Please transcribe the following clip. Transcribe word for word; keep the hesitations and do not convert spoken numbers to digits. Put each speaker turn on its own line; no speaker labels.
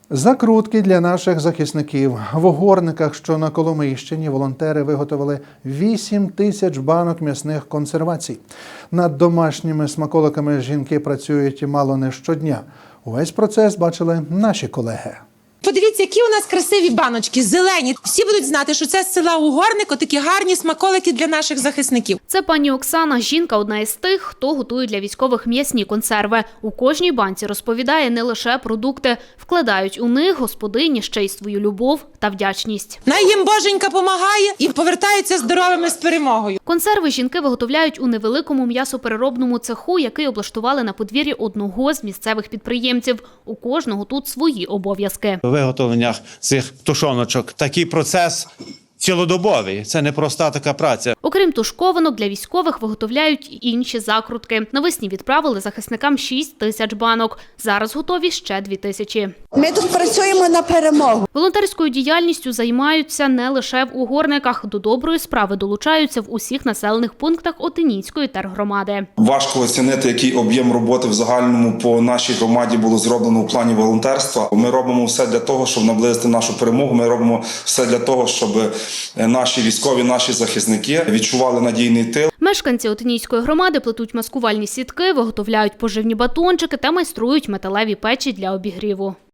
Закрутки для наших захисників. В Угорниках, що на Коломийщині, волонтери виготовили вісім тисяч банок м'ясних консервацій. Над домашніми смаколиками жінки працюють мало не щодня. Увесь процес бачили наші колеги.
Подивіться, які у нас красиві баночки, зелені. Всі будуть знати, що це з села Угорник, отакі гарні смаколики для наших захисників.
Це пані Оксана. Жінка одна із тих, хто готує для військових м'ясні консерви. У кожній банці, розповідає, не лише продукти. Вкладають у них господині ще й свою любов та вдячність.
Най їм Боженька помагає і повертаються здоровими з перемогою.
Консерви жінки виготовляють у невеликому м'ясопереробному цеху, який облаштували на подвір'ї одного з місцевих підприємців. У кожного тут свої обов'язки.
Виготовлення цих тушоночок. Такий процес цілодобовий. Це не проста така праця.
Окрім тушкованок, для військових виготовляють і інші закрутки. Навесні відправили захисникам шість тисяч банок. Зараз готові ще дві тисячі.
Ми тут працюємо на перемогу.
Волонтерською діяльністю займаються не лише в Угорниках. До доброї справи долучаються в усіх населених пунктах Отинійської тергромади.
Важко оцінити, який об'єм роботи в загальному по нашій громаді було зроблено у плані волонтерства. Ми робимо все для того, щоб наблизити нашу перемогу. Ми робимо все для того, щоб наші військові, наші захисники відчували надійний тил.
Мешканці Отинійської громади плетуть маскувальні сітки, виготовляють поживні батончики та майструють металеві печі для обігріву.